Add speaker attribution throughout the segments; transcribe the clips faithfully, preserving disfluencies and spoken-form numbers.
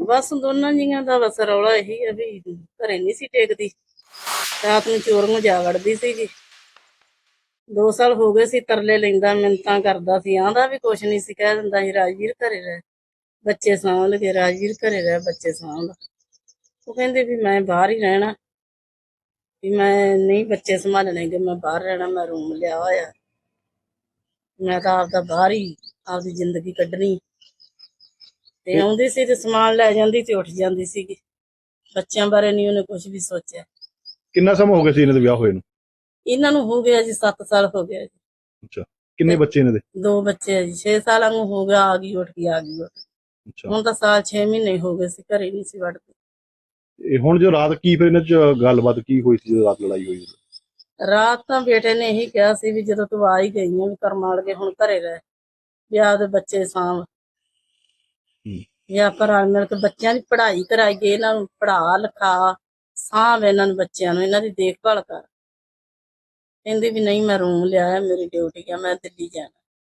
Speaker 1: ਬਸ ਦੋਨਾਂ ਜੀਆਂ ਦਾ ਬਸ ਰੌਲਾ ਇਹੀ ਆ ਵੀ ਘਰੇ ਨਹੀਂ ਸੀ ਟੇਕਦੀ, ਰਾਤ ਨੂੰ ਚੋਰ ਨੂੰ ਜਾ ਵੜਦੀ ਸੀਗੀ। ਦੋ ਸਾਲ ਹੋ ਗਏ ਸੀ ਤਰਲੇ ਲੈਂਦਾ, ਮਿੰਨਤਾਂ ਕਰਦਾ ਸੀ, ਆਂਦਾ ਵੀ ਕੁਛ ਨਹੀਂ ਸੀ, ਕਹਿ ਦਿੰਦਾ ਸੀ ਰਾਜਵੀਰ ਘਰੇ ਰਹਿ, ਬੱਚੇ ਸਾਂਭ ਲਗੇ, ਰਾਜਵੀਰ ਘਰੇ ਰਹਿ, ਬੱਚੇ ਸਾਂਭ। ਉਹ ਕਹਿੰਦੇ ਵੀ ਮੈਂ ਬਾਹਰ ਹੀ ਰਹਿਣਾ, ਵੀ ਮੈਂ ਨਹੀਂ ਬੱਚੇ ਸੰਭਾਲਣੇ ਗੇ, ਮੈਂ ਬਾਹਰ ਰਹਿਣਾ, ਮੈਂ ਰੂਮ ਲਿਆ ਹੋਇਆ, ਮੈਂ ਤਾਂ ਆਪਦਾ ਬਾਹਰ ਹੀ ਆਪਦੀ ਜ਼ਿੰਦਗੀ ਕੱਢਣੀ। ਤੇ ਆਉਂਦੀ ਸੀ ਤੇ ਸਮਾਨ ਲੈ ਜਾਂਦੀ ਤੇ ਉੱਠ ਜਾਂਦੀ ਸੀਗੀ। ਬੱਚਿਆਂ ਬਾਰੇ ਨਹੀਂ ਉਹਨੇ ਕੁਝ ਵੀ ਸੋਚਿਆ।
Speaker 2: ਕਿੰਨਾ ਸਮਾਂ ਹੋ ਗਿਆ ਸੀ ਇਹਨਾਂ ਦੇ ਵਿਆਹ ਹੋਏ ਨੂੰ?
Speaker 1: ਇਹਨਾਂ ਨੂੰ ਹੋ ਗਿਆ ਜੀ ਸੱਤ ਸਾਲ ਹੋ ਗਿਆ ਜੀ।
Speaker 2: ਅੱਛਾ, ਕਿੰਨੇ ਬੱਚੇ ਇਹਨਾਂ ਦੇ?
Speaker 1: ਦੋ ਬੱਚੇ ਆ ਜੀ। ਛੇ ਸਾਲਾਂ ਨੂੰ ਹੋ ਗਿਆ, ਆ ਗਈ ਉੱਠ ਗਈ, ਆ ਗਈ ਉੱਠ ਗਈ।
Speaker 2: ਅੱਛਾ,
Speaker 1: ਹੁਣ ਤਾਂ ਸਾਲ ਛੇ ਮਹੀਨੇ ਹੋ ਗਏ ਸੀ, ਘਰੇ ਨਹੀਂ ਸੀ ਵੜਦੀ।
Speaker 2: ਇਹ ਹੁਣ ਜੋ ਰਾਤ ਕੀ ਫਿਰ ਇਹਨਾਂ ਚ ਗੱਲਬਾਤ ਕੀ ਹੋਈ ਸੀ ਜਦੋਂ ਰਾਤ ਲੜਾਈ ਹੋਈ?
Speaker 1: ਰਾਤ ਤਾਂ ਬੇਟੇ ਨੇ ਇਹੀ ਕਿਹਾ ਸੀ ਵੀ ਜਦੋਂ ਤੂੰ ਆ ਹੀ ਗਈ ਆ ਵੀ ਕਰਮਾਂ ਲਗੇ ਹੁਣ ਘਰੇ ਰਹਿ, ਵੀ ਆਪਦੇ ਬੱਚੇ ਸਾਂਭ, ਵੀ ਆਪਾਂ ਰਲ ਮਿਲ ਕੇ ਬੱਚਿਆਂ ਦੀ ਪੜ੍ਹਾਈ ਕਰਾਈਏ, ਇਹਨਾਂ ਨੂੰ ਪੜ੍ਹਾ ਲਿਖਾ, ਸਾਂਭ ਇਹਨਾਂ ਨੂੰ, ਬੱਚਿਆਂ ਨੂੰ, ਇਹਨਾਂ ਦੀ ਦੇਖਭਾਲ ਕਰ। ਕਹਿੰਦੀ ਵੀ ਨਹੀਂ ਮੈਂ ਰੂਮ ਲਿਆ, ਮੇਰੀ ਡਿਊਟੀ ਆ, ਮੈਂ ਦਿੱਲੀ ਜਾਣਾ।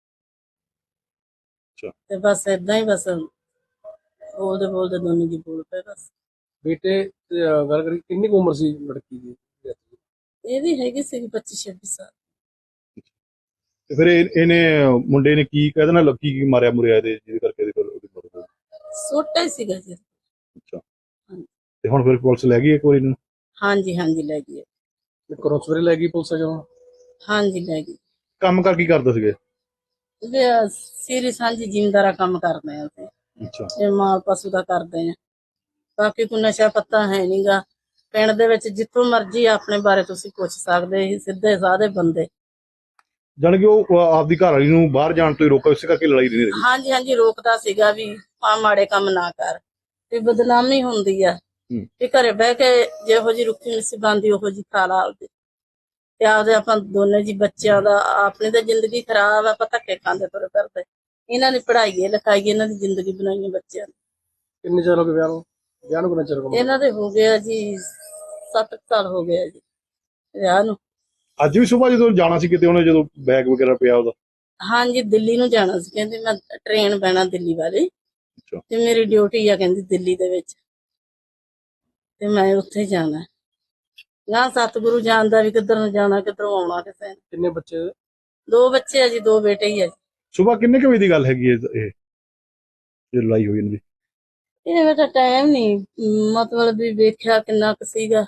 Speaker 1: ਤੇ ਬਸ ਏਦਾਂ ਹੀ ਬਸ ਬੋਲਦੇ ਬੋਲਦੇ ਦੋਨੋਂ ਜੀ ਬੋਲ ਪਏ ਬਸ।
Speaker 3: ਬੇਟੇ ਗੱਲ ਕਰੀ ਕਿੰਨੀ ਕੁ ਉਮਰ ਸੀ ਲੜਕੀ ਦੀ?
Speaker 1: ਇਹਦੀ ਹੈਗੀ ਸੀ ਪੱਚੀ ਛੱਬੀ ਸਾਲ।
Speaker 2: ਤੇ ਫਿਰ ਇਹ- ਇਹਨੇ ਮੁੰਡੇ ਨੇ ਕੀ ਕਹਿ ਦੇਣਾ, ਲੱਗੀ ਕੀ ਮਾਰਿਆ ਮੁਰਿਆ ਇਹਦੇ ਜਿਹਦੇ ਕਰਕੇ ਇਹਦੇ ਕੋਲ ਉਹਦੀ ਮੌਤ ਹੋ ਗਈ?
Speaker 1: ਛੋਟਾ ਹੀ ਸੀਗਾ ਜੀ।
Speaker 2: ਅੱਛਾ, ਤੇ ਹੁਣ ਫਿਰ ਪੁਲਿਸ ਲੈ ਗਈ ਇੱਕ ਵਾਰੀ ਇਹਨੂੰ?
Speaker 1: ਹਾਂਜੀ ਹਾਂਜੀ ਲੈ ਗਈ।
Speaker 3: ਘਰੋਂ ਸਵੇਰੇ ਲੈ ਗਈ ਪੁਲਿਸ ਜਦੋਂ?
Speaker 1: ਹਾਂਜੀ ਲੈ ਗਈ।
Speaker 2: ਕੰਮ ਕਰ ਕੀ ਕਰਦੇ ਸੀਗੇ?
Speaker 1: ਸੀਰੀ ਸਾਂਝੀ ਜ਼ਿਮੀਂਦਾਰਾ ਕੰਮ ਕਰਦੇ ਆ ਅਸੀਂ।
Speaker 2: ਅੱਛਾ,
Speaker 1: ਇਹ ਮਾਲ ਪਸ਼ੂ ਦਾ ਕਰਦੇ ਆ, ਬਾਕੀ ਕੋਈ ਨਸ਼ਾ ਪੱਤਾ ਹੈ ਨਹੀਂਗਾ ਪਿੰਡ ਦੇ ਵਿੱਚ। ਜਿੱਥੋਂ ਮਰਜ਼ੀ ਆਪਣੇ ਬਾਰੇ ਤੁਸੀਂ ਪੁੱਛ ਸਕਦੇ, ਸੀ ਸਿੱਧੇ ਸਾਦੇ ਬੰਦੇ।
Speaker 2: ਜਾਣੀ ਕਿ ਉਹ ਆਪਦੀ ਘਰ ਵਾਲੀ ਨੂੰ ਬਾਹਰ ਜਾਣ ਤੋਂ ਹੀ ਰੋਕਾ, ਇਸੇ ਕਰਕੇ ਲੜਾਈ ਨਹੀਂ ਰਹੀ।
Speaker 1: ਹਾਂਜੀ ਹਾਂਜੀ ਰੋਕਦਾ ਸੀਗਾ ਵੀ ਆ ਮਾੜੇ ਕੰਮ ਨਾ ਕਰ, ਵੀ ਬਦਨਾਮੀ ਹੁੰਦੀ ਆ, ਵੀ ਘਰੇ ਬਹਿ ਕੇ ਜਿਹੋ ਜੀ ਰੁੱਖੀ ਮਿੱਸੀ ਬਣਦੀ ਉਹੋ ਜੀ ਖਾ ਲਾ ਆਪਦੇ, ਤੇ ਆਪਦੇ ਆਪਾਂ ਦੋਨੇ ਜੀ ਬੱਚਿਆਂ ਦਾ, ਆਪਣੀ ਤਾਂ ਜ਼ਿੰਦਗੀ ਖਰਾਬ ਆ, ਆਪਾਂ ਧੱਕੇ ਖਾਂਦੇ ਤੁਰੇ ਫਿਰਦੇ। ਇਹਨਾਂ ਦੀ ਪੜ੍ਹਾਈਏ ਲਿਖਾਈਏ, ਇਹਨਾਂ ਦੀ ਜ਼ਿੰਦਗੀ ਬਣਾਈਏ ਬੱਚਿਆਂ ਦੀ।
Speaker 3: ਕਿੰਨੇ ਚਿਰ ਹੋ ਗਏ ਵਿਆਹ ਨੂੰ? ਵਿਆਹ ਨੂੰ ਕਿੰਨਾ ਚਿਰ ਹੋ ਗਿਆ?
Speaker 1: ਇਹਨਾਂ ਦੇ ਹੋ ਗਿਆ ਜੀ ਸੱਤ ਸਾਲ ਹੋ ਗਿਆ ਜੀ ਵਿਆਹ ਨੂੰ।
Speaker 2: ਅੱਜ ਵੀ ਸੁਬਾਹ ਜਦੋਂ ਜਾਣਾ ਸੀ ਕਿਤੇ ਉਹਨੇ, ਜਦੋਂ ਬੈਗ ਵਗੈਰਾ ਪਿਆ ਉਹਦਾ?
Speaker 1: ਹਾਂਜੀ ਦਿੱਲੀ ਨੂੰ ਜਾਣਾ ਸੀ, ਕਹਿੰਦੀ ਮੈਂ ਟ੍ਰੇਨ ਬਹਿਣਾ ਦਿੱਲੀ ਵਾਲੀ, ਤੇ ਮੇਰੀ ਡਿਊਟੀ ਆ ਕਹਿੰਦੀ ਦਿੱਲੀ ਦੇ ਵਿੱਚ, ਤੇ ਮੈਂ ਉੱਥੇ ਜਾਣਾ। ਨਾ ਸਤਿਗੁਰੂ ਜਾਣਦਾ ਵੀ ਕਿੱਧਰ ਨੂੰ ਜਾਣਾ, ਕਿੱਧਰੋਂ ਆਉਣਾ ਕਿਸੇ ਨੇ।
Speaker 3: ਕਿੰਨੇ ਬੱਚੇ?
Speaker 1: ਦੋ ਬੱਚੇ ਆ ਜੀ, ਦੋ ਬੇਟੇ ਹੀ ਆ ਜੀ।
Speaker 2: ਸੁਬਾਹ ਕਿੰਨੇ ਕੁ ਵਜੇ ਦੀ ਗੱਲ ਹੈਗੀ ਇਹ ਇਹ ਜੇ ਲੜਾਈ ਹੋਈ ਇਹਨਾਂ ਦੀ?
Speaker 1: ਇਹ ਬੇਟਾ ਟਾਈਮ ਨਹੀਂ ਮਤਲਬ ਵੀ ਵੇਖਿਆ ਕਿੰਨਾ ਕੁ ਸੀਗਾ,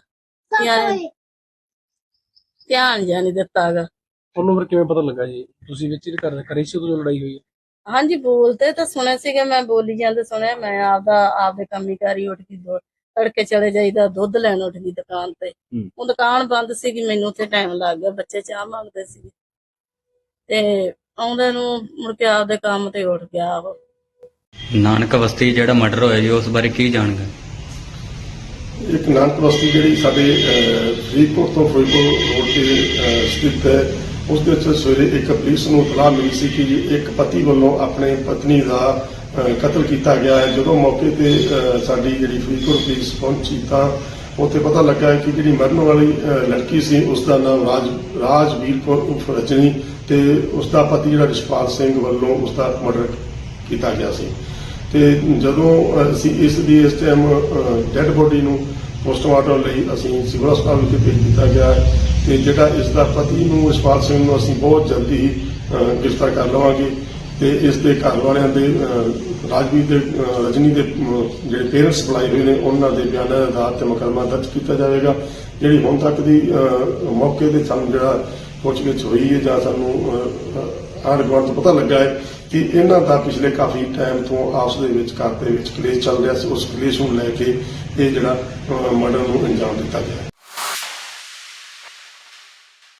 Speaker 1: ਧਿਆਨ ਜਾਂ ਨਹੀਂ ਦਿੱਤਾਗਾ।
Speaker 3: ਤੁਹਾਨੂੰ ਫਿਰ ਕਿਵੇਂ ਪਤਾ ਲੱਗਾ ਜੀ? ਤੁਸੀਂ ਵਿੱਚ ਹੀ ਘਰ ਕਰੀ ਸੀ ਉਦੋਂ ਲੜਾਈ ਹੋਈ?
Speaker 1: ਹਾਂਜੀ ਬੋਲਦੇ ਤਾਂ ਸੁਣਿਆ ਸੀਗਾ, ਮੈਂ ਬੋਲੀ ਜਾਂਦੇ ਸੁਣਿਆ। ਮੈਂ ਆਪਦਾ ਆਪਦੇ ਕੰਮੀ ਕਾਰੀ ਉੱਠ ਗਈ, ਤੜਕੇ ਚਲੇ ਜਾਈਦਾ, ਦੁੱਧ ਲੈਣ ਉੱਠ ਗਈ ਦੁਕਾਨ ਤੇ। ਉਹ ਦੁਕਾਨ ਬੰਦ ਸੀਗੀ, ਮੈਨੂੰ ਉੱਥੇ ਟਾਈਮ ਲੱਗ ਗਿਆ, ਬੱਚੇ ਚਾਹ ਮੰਗਦੇ ਸੀ, ਤੇ ਆਉਂਦੇ ਨੂੰ ਮੁੜ ਕੇ ਆਪਦੇ ਕੰਮ ਤੇ ਉੱਠ ਗਿਆ। ਉਹ
Speaker 4: ਨਾਨਕ ਬਸਤੀ ਜਿਹੜਾ ਮਰਡਰ ਹੋਇਆ ਜੀ, ਉਸ ਬਾਰੇ ਕੀ ਜਾਣਕਾਰੀ?
Speaker 5: ਇੱਕ ਨਾਨਕ ਬਸਤੀ ਜਿਹੜੀ ਸਾਡੇ ਫਰੀਦਕੋਟ ਤੋਂ ਫਿਰੋਜ਼ਪੁਰ ਰੋਡ ਤੇ ਸਥਿਤ ਹੈ, ਉਸ ਦੇ ਵਿੱਚ ਸਵੇਰੇ ਇੱਕ ਪੁਲਿਸ ਨੂੰ ਇਤਲਾਹ ਮਿਲੀ ਸੀ ਕਿ ਇੱਕ ਪਤੀ ਵੱਲੋਂ ਆਪਣੇ ਪਤਨੀ ਦਾ ਕਤਲ ਕੀਤਾ ਗਿਆ ਹੈ। ਜਦੋਂ ਮੌਕੇ ਤੇ ਸਾਡੀ ਜਿਹੜੀ ਫਰੀਦਕੋਟ ਪੁਲਿਸ ਪਹੁੰਚੀ ਤਾਂ ਉੱਥੇ ਪਤਾ ਲੱਗਾ ਕਿ ਜਿਹੜੀ ਮਰਨ ਵਾਲੀ ਲੜਕੀ ਸੀ ਉਸ ਦਾ ਨਾਮ ਰਾਜ ਰਾਜਵੀਰ ਕੌਰ ਉਰਫ ਰਜਨੀ, ਤੇ ਉਸ ਦਾ ਪਤੀ ਜਿਹੜਾ ਰਿਸ਼ਪਾਲ ਸਿੰਘ ਵੱਲੋਂ ਉਸ ਦਾ ਮਰਡਰ ਕੀਤਾ ਗਿਆ ਸੀ। ਤੇ ਜਦੋਂ ਅਸੀਂ ਇਸ ਦੀ ਇਸ ਟਾਈਮ ਡੈੱਡ ਬੋਡੀ ਨੂੰ ਪੋਸਟਮਾਰਟਮ ਲਈ ਅਸੀਂ ਸਿਵਲ ਹਸਪਤਾਲ ਵਿਖੇ ਭੇਜ ਦਿੱਤਾ ਗਿਆ ਹੈ, ਤੇ ਜਿਹੜਾ ਇਸ ਦਾ ਪਤੀ ਨੂੰ ਰਿਸ਼ਪਾਲ ਸਿੰਘ ਨੂੰ ਅਸੀਂ ਬਹੁਤ ਜਲਦੀ ਹੀ ਗ੍ਰਿਫਤਾਰ ਕਰ ਲਵਾਂਗੇ, ਤੇ ਇਸ ਦੇ ਘਰ ਵਾਲਿਆਂ ਦੇ ਰਾਜਵੀਰ ਦੇ ਰਜਨੀ ਦੇ ਜਿਹੜੇ ਪੇਰੈਂਟਸ ਬੁਲਾਏ ਹੋਏ ਨੇ ਉਹਨਾਂ ਦੇ ਬਿਆਨਾਂ ਦੇ ਆਧਾਰ ਤੇ ਮੁਕੱਦਮਾ ਦਰਜ ਕੀਤਾ ਜਾਵੇਗਾ। ਜਿਹੜੀ ਹੁਣ ਤੱਕ ਦੀ ਮੌਕੇ ਤੇ ਸਾਨੂੰ ਜਿਹੜਾ ਪੁੱਛਗਿੱਛ ਹੋਈ ਹੈ ਜਾਂ ਸਾਨੂੰ ਆਂਢ ਗੁਆਂਢ ਤੋਂ ਪਤਾ ਲੱਗਾ ਹੈ ਕਿ ਇਹਨਾਂ ਦਾ ਪਿਛਲੇ ਕਾਫੀ ਟਾਈਮ ਤੋਂ ਆਪਸ ਦੇ ਵਿੱਚ ਘਰ ਦੇ ਵਿੱਚ ਕਲੇਸ਼ ਚੱਲ ਰਿਹਾ ਸੀ। ਉਸ ਕਲੇਸ਼ ਨੂੰ ਲੈ ਕੇ ਇਹ ਜਿਹੜਾ ਮਰਡਰ ਨੂੰ ਅੰਜਾਮ ਦਿੱਤਾ ਗਿਆ।